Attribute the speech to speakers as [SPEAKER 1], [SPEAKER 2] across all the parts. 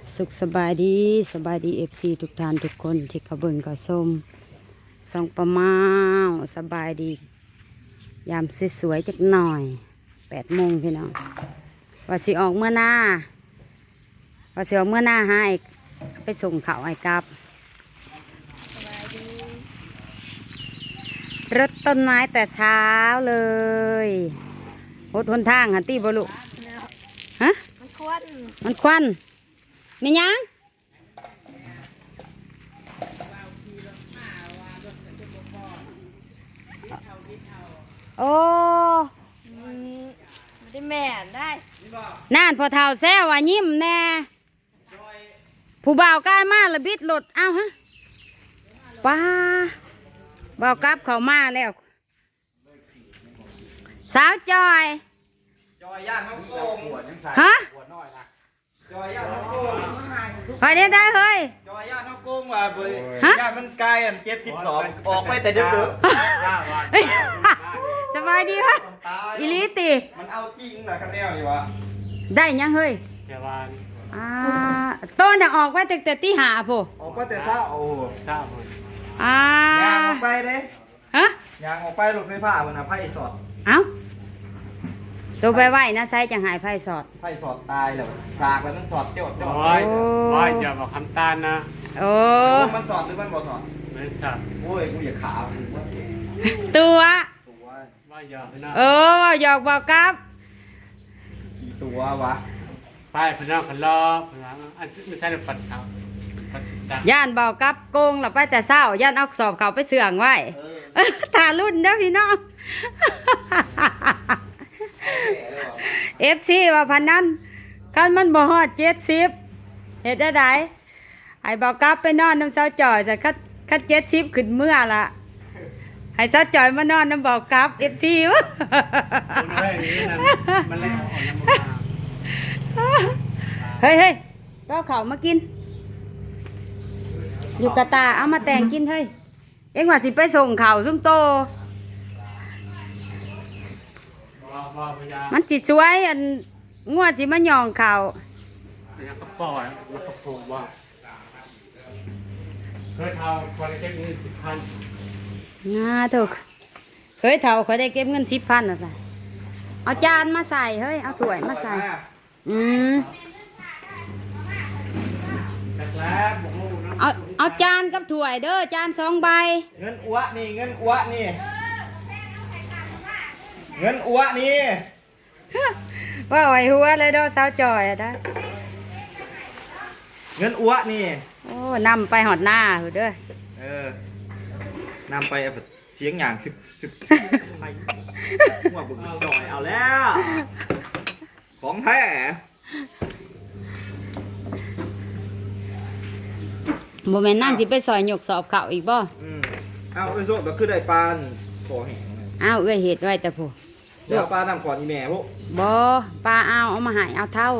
[SPEAKER 1] สุขสบายดีFC ทุกท่านทุกคนที่เขาเบิ่งเขาชมส่องประมาสบายดียามสวยๆจักหน่อย8 โมงพี่น้องว่าสิออกเมื่อหน้าให้ไปส่งเขาไอ้กับรถต้นไม้แต่เช้าเลยรถหนทางหันตีบลุฮะมันควันไม่ยังโอ้
[SPEAKER 2] ได้แม่ได้
[SPEAKER 1] น่านพอเท่าแซวว่ายิ้มแน่ผู้บ่าวกล้ามาละบิดหลดเอาฮะป้าบ่าวกลับเขามาแล้วสาวจอย
[SPEAKER 3] ย่านน้องโกง
[SPEAKER 1] ฮะ
[SPEAKER 3] จอยย่านน้องโกง
[SPEAKER 1] ไปได้เฮ้ย
[SPEAKER 3] จอยย่านน้องโกงว่าย่านมันไกล72ออกไปแต่ดึก
[SPEAKER 1] สบายดีวะอิลิติ
[SPEAKER 3] มันเอาจริงเหรอคันแนวนี่วะ
[SPEAKER 1] ได้ยังเฮ้ยต้นจะออกไว้แต่ตีหาโผ
[SPEAKER 3] ออกไปแต่เช้าโอ้
[SPEAKER 1] ยาง
[SPEAKER 3] ออกไปเลย
[SPEAKER 1] ฮะ
[SPEAKER 3] ยางออกไปรถไฟฟ้ามันนะไพ่สอด
[SPEAKER 1] เอ้าตัวไปไหวนะไซจะหายไพ่สอด
[SPEAKER 3] ตายแล้วฉากแล้วมันสอดโจด
[SPEAKER 2] ว่าอย่าบอกคำตาลนะ
[SPEAKER 1] โอ้
[SPEAKER 3] มันสอดหรือมันบ่สอด
[SPEAKER 2] มันสอด
[SPEAKER 3] โอ้ยกูอย่าขา
[SPEAKER 1] ตัว
[SPEAKER 2] ว่าอย่านะ
[SPEAKER 1] ว่าหยอกบอกกับ
[SPEAKER 3] ขี่ตัววะ
[SPEAKER 2] ไปพนักพลอพนักอันไม่ใช่เรื่องปัดเขา
[SPEAKER 1] ย่านบอกกับโกงหลับไปแต่เศร้าย่านเอาสอบเขาไปเสื่องไว้ตารุ่นเด้อพี่น้องFC ว่าพันนั้นคันมันบ่ฮอด70เฮ็ดได้ไอ้บอกกับไปนอนน้ำเสาจ่อยจะคัด70ขึ้นเมื่อละให้เสาจ่อยมานอนน้ำบอกกับ FC วะ
[SPEAKER 2] มันเลยอ่อนน้ำมา
[SPEAKER 1] เฮ้ยก็เขามากินอยู่กระตาเอามาแต่งกินเฮ้ยเอ็งว่าสิไปส่งข่าวซุ่มโตมันจิตสวยอันงวดสิมันย่องข่าว
[SPEAKER 2] แล้วก็ปล่อยแล้วก็ผูกว่าเคยทำคนเก็บเงิน10,000
[SPEAKER 1] ถูกเคยเท่าเขาได้เก็บเงิน10,000นะสิเอาจานมาใส่เฮ้ยเอาถ้วยมาใส่เอาจานกับถ้วยเด้อจาน2 ใบ
[SPEAKER 3] เงินอ้วนี่เงินอ้วนี่
[SPEAKER 1] ว่าไหวหัวเลยเด้อสาวจอยอะได้
[SPEAKER 3] เงินอ้วนี่
[SPEAKER 1] โอ้นำไปหอดหน้าเด้
[SPEAKER 3] อนำไปเสียงอย่างสิบไปหัวบุกจอยเอาแล้วของแท้
[SPEAKER 1] โมเมนต์นั่งสิไปซอยหยกสอบเข่าอีกบ่
[SPEAKER 3] เอาไอ้โซ่แบบคือได้ปานขอแห้ง
[SPEAKER 1] เอื้อเห็ดไว้แต่ผู้
[SPEAKER 3] เดี๋ยวปลานำก่อนอีแม่พวก
[SPEAKER 1] บ่ปลาเอามาหายเอาเท่า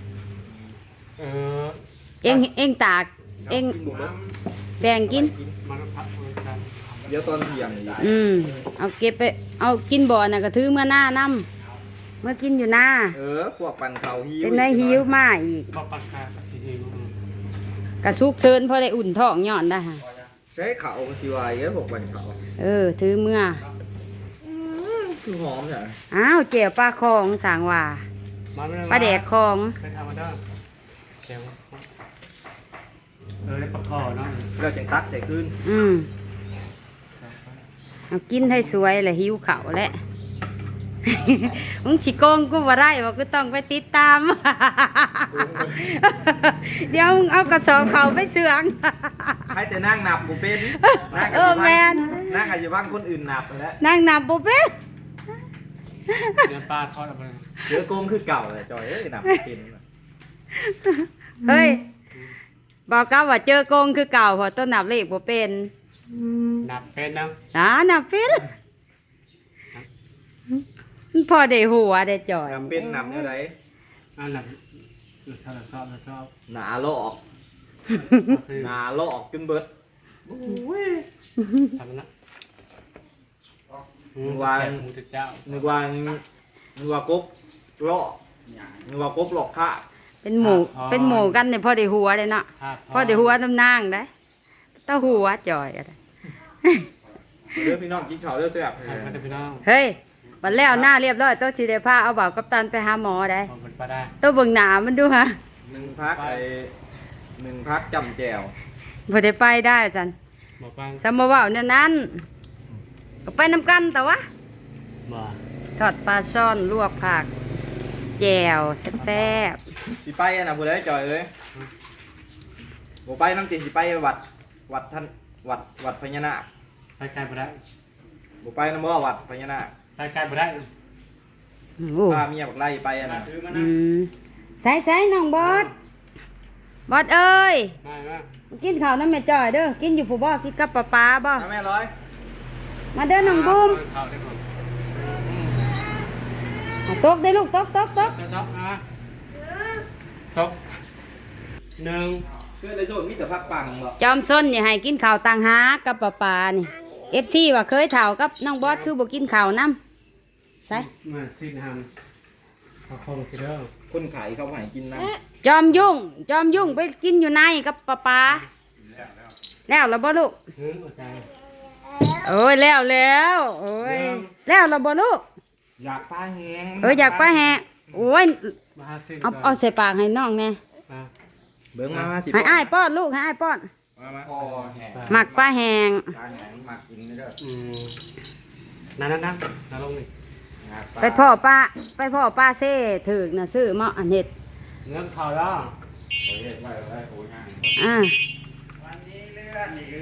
[SPEAKER 1] เอ็งตากเอ็งแบ่งกิน
[SPEAKER 3] เดี๋ยวตอนเที่ยง
[SPEAKER 1] เอาเก็บไปเอากินบ่อน่ะก็ถือเมื่อหน้าน้ำเมื่อกินอยู่หน้า
[SPEAKER 3] พวกปั่นเขาหิว
[SPEAKER 1] เป็นในหิวมาอีก
[SPEAKER 2] ปั่นขาสิหิว
[SPEAKER 1] กระซุกเชิญพอได้อุ่นท้องย้อนได้ค่ะ
[SPEAKER 3] ใช้เขาทีวายพวกปั่นเขา
[SPEAKER 1] ถือเมื่อ
[SPEAKER 3] คือหอมเนี่ย
[SPEAKER 1] เจียวปลาคองสางว่าปลาแดกคอง
[SPEAKER 2] เคยทำมาได้เจียวปลาคอเนาะ
[SPEAKER 3] เราจะตักใส่ขึ้น
[SPEAKER 1] เอากินให้สวยแหละหิวเข่าแหละมึงฉีโกงกูบ่ได้ว่ากูต้องไปติดตามเดี๋ยวมึงเอากระสอบเข่าไปเสื่อง
[SPEAKER 3] ให้แต่นั่งนับกูเป็น
[SPEAKER 1] แมน
[SPEAKER 3] นั่งอาจจะบ้างคนอื่นนับแล้ว
[SPEAKER 1] นั่งนับกูเป็น
[SPEAKER 2] เดือนปลาทอดอะไร
[SPEAKER 3] เดือโกงคือเก่าเลยจอยนับเป็น
[SPEAKER 1] เฮ้ยบอกกับว่าเจอโกงคือเก่าพอต้นนับเลขบ่เป็น
[SPEAKER 2] นับเป็นนะ
[SPEAKER 1] นับเป็นพอได้หัวได้จ่อย
[SPEAKER 3] นับเป็นนับอะไร
[SPEAKER 2] นับชอบ
[SPEAKER 3] หนาลอกจนเบิด
[SPEAKER 2] ทำนะ
[SPEAKER 3] นึกว่ากบหลอกข้า
[SPEAKER 1] เป็นหมู่กันเนี่ยพอได้หัวเลยเนาะ
[SPEAKER 2] ครับ
[SPEAKER 1] พอได้หัวน้ำนางได้เต้าหัวจ่อยก็ได้
[SPEAKER 3] เรื่องพี่น้องกินข้าวเรื่องเสียบ
[SPEAKER 2] ครับพี่น้อง
[SPEAKER 1] เฮ้ยบัดแล้วหน้าเรียบร้อยโต๊ะสิได้พาเอาบ่าวกัปตันไปหาหมอได้
[SPEAKER 2] ขอบคุณป้าได้
[SPEAKER 1] โต๊ะเบิ่งหน้ามันดูฮะ
[SPEAKER 3] หนึ่งพักจำแจว
[SPEAKER 1] บ่ได้ไปได้ซั่น
[SPEAKER 2] หมอปัง
[SPEAKER 1] สมมุติว่าเนี่ยนั้นก็ไปนำกันแต่ว่า
[SPEAKER 2] บ่
[SPEAKER 1] ทอดปลาช่อนลวกผักแจ่วแซ่บ
[SPEAKER 3] สิไปอะนะผู้ใดจอยเอ้ยบ่ไปน้ำจิสิไปวัดท่านวัดพญานาค
[SPEAKER 2] ไปไกลบ่ได้
[SPEAKER 3] บ่ไปน้ำบ่วัดพญานาค
[SPEAKER 2] ไปไกลบ่ได้
[SPEAKER 1] ๆโอ้
[SPEAKER 3] พาเมียบักไล่ไปอะนะ
[SPEAKER 1] อืมใส่น้องบอสบอสเอ้ย
[SPEAKER 2] มา
[SPEAKER 1] กินข้าวน้ำแม่จ่อยเด้อกินอยู่ผู้บ่กินกับป้าบ่
[SPEAKER 3] เอาแม่ร้อย
[SPEAKER 1] มาเด้อน้องบุ้ม
[SPEAKER 2] เข้าได้ก่อน
[SPEAKER 1] เอาตกได้ลูกตก
[SPEAKER 2] ตกนะตกหนึ่ง
[SPEAKER 3] เพื่อนในโซนมีแต่พักปังบ่
[SPEAKER 1] จอมส้นอย่าให้กินข้าวต่างหากกับป้านี่ FC ว่าเคยเฒ่ากับน้องบอสคือบ่กินข้าวนํใส่
[SPEAKER 2] มาสิ้นทำเขาคงคิดเด้อ
[SPEAKER 3] คนขายเขาให้กินนะ
[SPEAKER 1] จอมยุ่งไปกินอยู่ในกับป้าแล้วบ่ลูก
[SPEAKER 2] หัวใจ
[SPEAKER 1] โอ้ยแล้วโอ้ยแล้วบ่ลูก
[SPEAKER 3] อยากปลาแหง
[SPEAKER 1] อยากปลาแหะโอ้ย
[SPEAKER 2] มาหาสิ้น
[SPEAKER 1] เอาใส่ปากให้น้องแน่
[SPEAKER 2] มา
[SPEAKER 3] เบิ่งมาสิ
[SPEAKER 1] ให้อ้ายป้อนลูกให้อ้ายป้อน
[SPEAKER 3] มาคอแหง
[SPEAKER 1] หมักปลาแหง
[SPEAKER 3] ปลาแหงหมักกินเด้อ
[SPEAKER 2] นั่นลงนี่
[SPEAKER 1] ไปพ่อป้าเซ่ถึกน่ะซื้อมาอันเฮ็ด
[SPEAKER 2] เงินเขาแล้ว
[SPEAKER 3] โอ้ยไว้โอ้ยง่าย
[SPEAKER 1] อ่า
[SPEAKER 3] วันนี้เลื่อนนี่คือ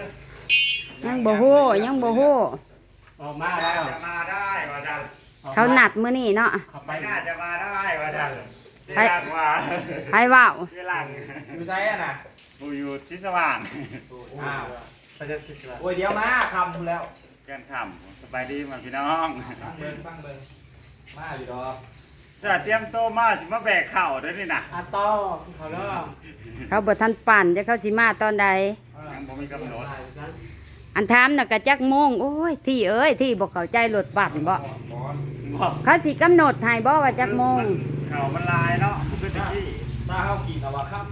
[SPEAKER 1] ยังบ่ฮู้
[SPEAKER 2] ออกมาแล้ว
[SPEAKER 3] จะมาได้ว่าจัน
[SPEAKER 1] เขานัดมื้อนี้เนาะ
[SPEAKER 2] เขาไป
[SPEAKER 3] ไม่น่าจะมาได้ว่าจัน
[SPEAKER 1] ไป
[SPEAKER 3] หลังว่า
[SPEAKER 1] ใครว้าว
[SPEAKER 3] คือหลังอยู่ไซอะนะ
[SPEAKER 4] กูอยู่ที่สว่าง
[SPEAKER 3] อ้าว
[SPEAKER 2] ไปจะสิละ
[SPEAKER 3] โอ้ยเดี๋ยวมาคำแล้ว
[SPEAKER 4] แกนขำสบายดีมาพี่น้อง
[SPEAKER 3] ตั้งเบิ่งมาอยู่ดอก
[SPEAKER 4] จะเตรียมโตวมาสิมาแบกเข่าด้วยนี่นะ
[SPEAKER 2] อาต้อเขาแล้ว
[SPEAKER 1] เขาบ่ทันปั่นจะเขาสิมาตอนใด
[SPEAKER 4] ยังบ่มีกำหนด
[SPEAKER 1] อันถามน่ะก็จักโมงโอ้ยที่เอ้ยที่บ่เข้าใจรถบัสนี่บ่
[SPEAKER 4] บอก
[SPEAKER 1] เขาสิกำหนดให้บ่ว่าจักโมง
[SPEAKER 4] เข่ามันลายเนาะมันก็จะที่
[SPEAKER 3] ซาเข้าขี่ตะวันค่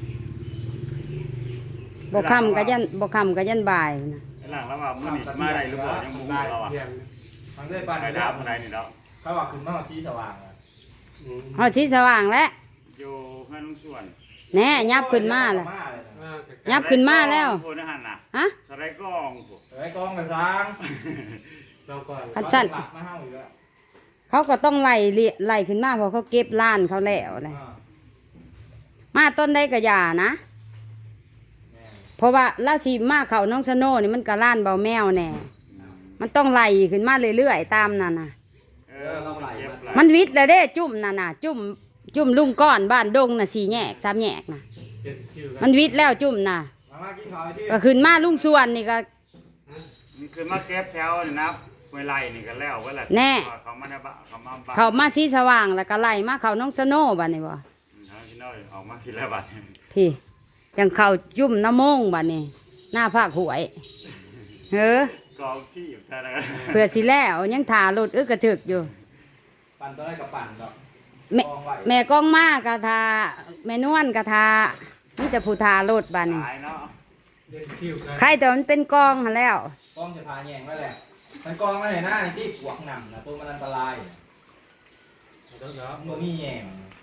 [SPEAKER 1] บ่ค่ำก็ยันบ่ายนะ
[SPEAKER 4] หลังแล้วว่ามื้อนี้มาได้หรือเปล่ายังบ่รู้เราอ่ะ
[SPEAKER 3] ำทางด้วยปาน
[SPEAKER 4] ไป
[SPEAKER 3] ได้
[SPEAKER 4] ถามคนใดนี่เนาะ
[SPEAKER 3] เขาว่าขึ้นมาที่สว่างอะ
[SPEAKER 1] ฮอดสีสว่างแล้ว
[SPEAKER 4] อยู่เพื่อนลุงส่วน
[SPEAKER 1] แน่ยับขึ้นมาแล้ว
[SPEAKER 3] เลยนะ
[SPEAKER 1] ยับขึ้นมาแล้ว
[SPEAKER 4] โพนหันน่ะ
[SPEAKER 1] ฮะ
[SPEAKER 4] สไลด์กล้องพวก
[SPEAKER 3] ไอ้กองกระซัง
[SPEAKER 2] เราก่อน
[SPEAKER 1] คันสั้น
[SPEAKER 3] หลักมาเฮาอยู่แล้ว
[SPEAKER 1] เขาก็ต้องไล่ขึ้นมาเพราะเขาเก็บล้านเขาแล้วเลย
[SPEAKER 3] อ่า
[SPEAKER 1] มาต้นได้ก็อย่านะ
[SPEAKER 3] แม่
[SPEAKER 1] เพราะว่าราชีมาเขาน้องสโน่นี่มันก็ล้านเบาแมวแน่มันต้องไล่ขึ้นมาเรื่อยๆตามนั่นน่ะ
[SPEAKER 4] เออมันเก็บหลาย
[SPEAKER 1] มันวิทย์แล้วเด้จุ่มนั่นน่ะจุ่มลุงก้อนบ้านดงน่ะ4 แยก 3 แยกน่ะ
[SPEAKER 2] เจ็ดคิวกั
[SPEAKER 1] มันวิทย์แล้วจุ่มน่ะ
[SPEAKER 3] มากินข้าวที่
[SPEAKER 1] ก็ขึ้นมาลุงส่วนนี่ก็
[SPEAKER 4] นี่คือมาเก็บแถวนี่นะไว้ไล่นี่กันแล้วไว้ละ
[SPEAKER 1] แน่
[SPEAKER 4] เขามาในบ้านเขามาบ้าน
[SPEAKER 1] เขามาสีสว่างแล้วก็ไล่มาเขาน้องสโน่บัดนี้บ่
[SPEAKER 4] เอาพี่น้อยออกมาทีละบาท
[SPEAKER 1] พี่จังเข้าจุ่มน้ำมงบัดนี้หน้าภาคหวยเฮ้อก
[SPEAKER 4] องที่อยู่ท่านั้น
[SPEAKER 1] เพื่อสิแล้วยังถ่ารถกระถึกอยู่
[SPEAKER 3] ปั่นตัวได้กับปั่นดอก
[SPEAKER 1] แม่
[SPEAKER 3] กองไว้
[SPEAKER 1] แม่กองมากกะทาแม่นวลกะทามีแต่ผู้ทารถบัดนี้
[SPEAKER 4] หลายเนาะ
[SPEAKER 2] เจ็ดคิวกัน
[SPEAKER 1] ใครแต่มันเป็นกองหั้นแล้ว
[SPEAKER 3] กองจะพาแยงไว้แหละมันกองไว้ไหนหน้านี่ที่ปวกหนำนะตัวมันอันตราย
[SPEAKER 2] เดี๋ยว
[SPEAKER 3] มันมีแยง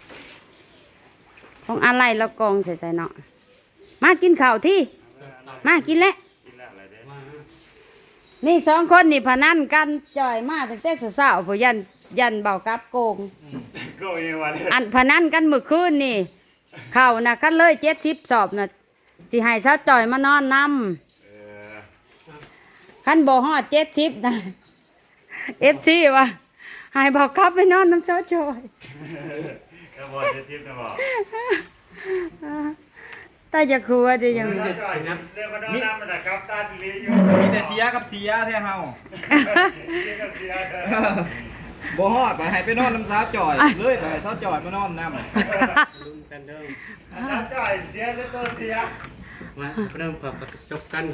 [SPEAKER 1] ของอะไรแล้วกองใส่ๆเนาะมากินข้าวที่มากินแล้ว
[SPEAKER 4] กินแล้วอะไรเด้
[SPEAKER 2] มา
[SPEAKER 1] นี่2 คนนี่พนันกันจ่อยมาตั้งแต่เช้าๆพอยันเบากับโกง
[SPEAKER 4] ก็มีวัน
[SPEAKER 1] อันพนันกันมื้อคืนนี่ข้าวน่ะคันเลย70 สอบน่ะสิให้สาวจ่อยมานอนนำ
[SPEAKER 4] เออ
[SPEAKER 1] คันบ่ฮอด70นะ FC ว่าให้บอกกลับไปนอนน้ำสาวจ่อย
[SPEAKER 4] แล้วบอกจะทิพย์นะบอก
[SPEAKER 1] ตาจะครัวได้ยัง
[SPEAKER 4] เรื่องจ่อยนะเรื่องมาดอนน้ำมันนะครับตาดีลีอยู่
[SPEAKER 3] มีแต่เสียกับเสียแท้เฮา
[SPEAKER 4] เสียกับเสียเด้อ
[SPEAKER 3] บ่ฮอดไปให้ไปนอนน้ำสาวจ่อยเลยไปให้สาวจ่อยมานอนน้ำ
[SPEAKER 2] ลุมกันเด้อ
[SPEAKER 4] น้ำจ่อยเสียแล้วตัวเสีย
[SPEAKER 2] มาเริ่มกับจบกัน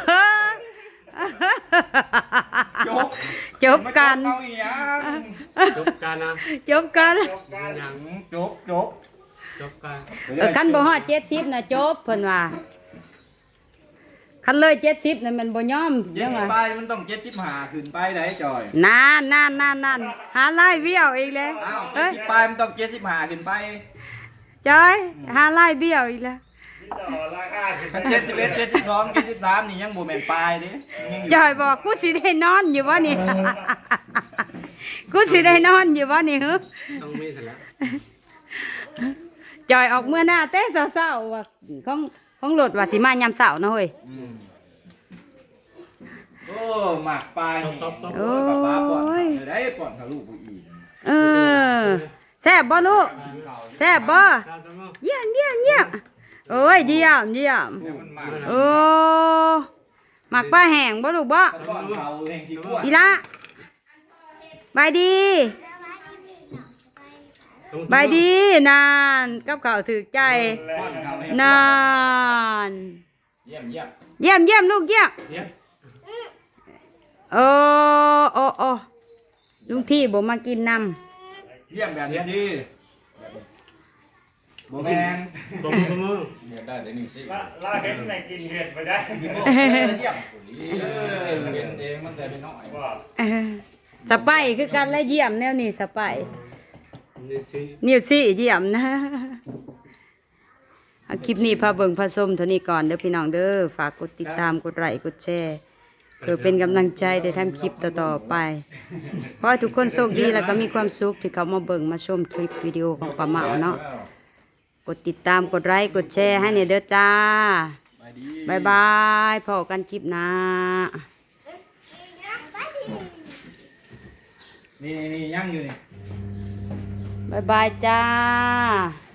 [SPEAKER 3] จบ
[SPEAKER 1] จบกัน
[SPEAKER 3] เอาอีหยัง
[SPEAKER 2] จบกันนะ
[SPEAKER 1] จบกัน
[SPEAKER 4] จบกัน
[SPEAKER 2] ยัง
[SPEAKER 3] จบ
[SPEAKER 2] จบกัน
[SPEAKER 1] คันบ่ฮอด70นะจบเพิ่นว่าคันเลย70นั่นมันบ่ยอม
[SPEAKER 3] เจ็
[SPEAKER 1] จั
[SPEAKER 3] ด
[SPEAKER 1] ง
[SPEAKER 3] สิบ
[SPEAKER 1] ว่า
[SPEAKER 3] ไปมันต้อง75ขึ้นไปได้จอย
[SPEAKER 1] นั่นหาลายเบี้ยวอีกแล้ว
[SPEAKER 3] อ้าว
[SPEAKER 1] เอ้ย
[SPEAKER 3] 70ไปมันต้อง75ขึ้นไป
[SPEAKER 1] จอยหาลายเบี้ยวอีกแล้ว
[SPEAKER 4] ต่อราคาขึ้น
[SPEAKER 3] คัน71 72 73นี่ยังบ่แม่นปลายเด้ยังอยู่
[SPEAKER 1] จอยบอกกูสิได้นอนอยู่บ่นี่ กูสิได้นอนอยู่บ่นี่ฮึ
[SPEAKER 2] ต้องมีเสร็จแล้ว
[SPEAKER 1] จอยออกเมื่อหน้าเต้เศร้าๆว่าของรถว่าสิมายามเช้าเนาะเฮ้ย
[SPEAKER 3] โอ้หมักปลายนี่
[SPEAKER 1] โอ้ย
[SPEAKER 3] กับป้าป้อนเขาได้ป้อนเขาลูกกูอีก
[SPEAKER 1] เออแซ่บบ่ลูกแซ่บบ่เยี่ยมโอ้ยเยี่ยม
[SPEAKER 3] เนี่ยมันหมัก
[SPEAKER 1] โอ้หมักปลาแห้งบ่ลูกบ่
[SPEAKER 3] ป้อนเขาเองสิกลัว
[SPEAKER 1] อีละบายดีบายดีนานกับข้าวถือใจ
[SPEAKER 3] ป้อนเขาให้
[SPEAKER 1] นาน
[SPEAKER 3] เยี่ยม
[SPEAKER 1] เยี่ยมลูกเยี่ยม
[SPEAKER 2] เนี่ย
[SPEAKER 1] โอ้ลุงที่บ่มากินน้
[SPEAKER 3] เยี่ยมแบบนี้ดีโบแมน
[SPEAKER 2] ตบมือ
[SPEAKER 3] เยี่ยมได้แต่1สิ
[SPEAKER 4] ลาเห็นในกินเห็ดไปได้
[SPEAKER 3] เยี่ยมเห็นเองมันแต่ไม่น้อย
[SPEAKER 4] ว่า
[SPEAKER 1] ำสไปคือกันและเยี่ยมแนวนี้สไป
[SPEAKER 2] นี่สิ
[SPEAKER 1] นิวซี่เยี่ยมนะเอาคลิปนี้พาเบิ่งพาชมเท่านี้ก่อนเด้อพี่น้องเด้อฝากกดติดตามกดไลค์กดแชร์เพื่อเป็นกำลังใจได้ทำคลิปต่อๆไปขอให้ทุกคนโชคดีแล้วก็มีความสุขที่เขามาเบิ่งมาชมคลิปวิดีโอของป้าเหมาเนาะกดติดตามกดไลค์กดแชร์ให้เนี่ยเด้อจ้าบายบายพบกันคลิปหน้า
[SPEAKER 3] นี่ยังอยู่นี่
[SPEAKER 1] บายบายจ้า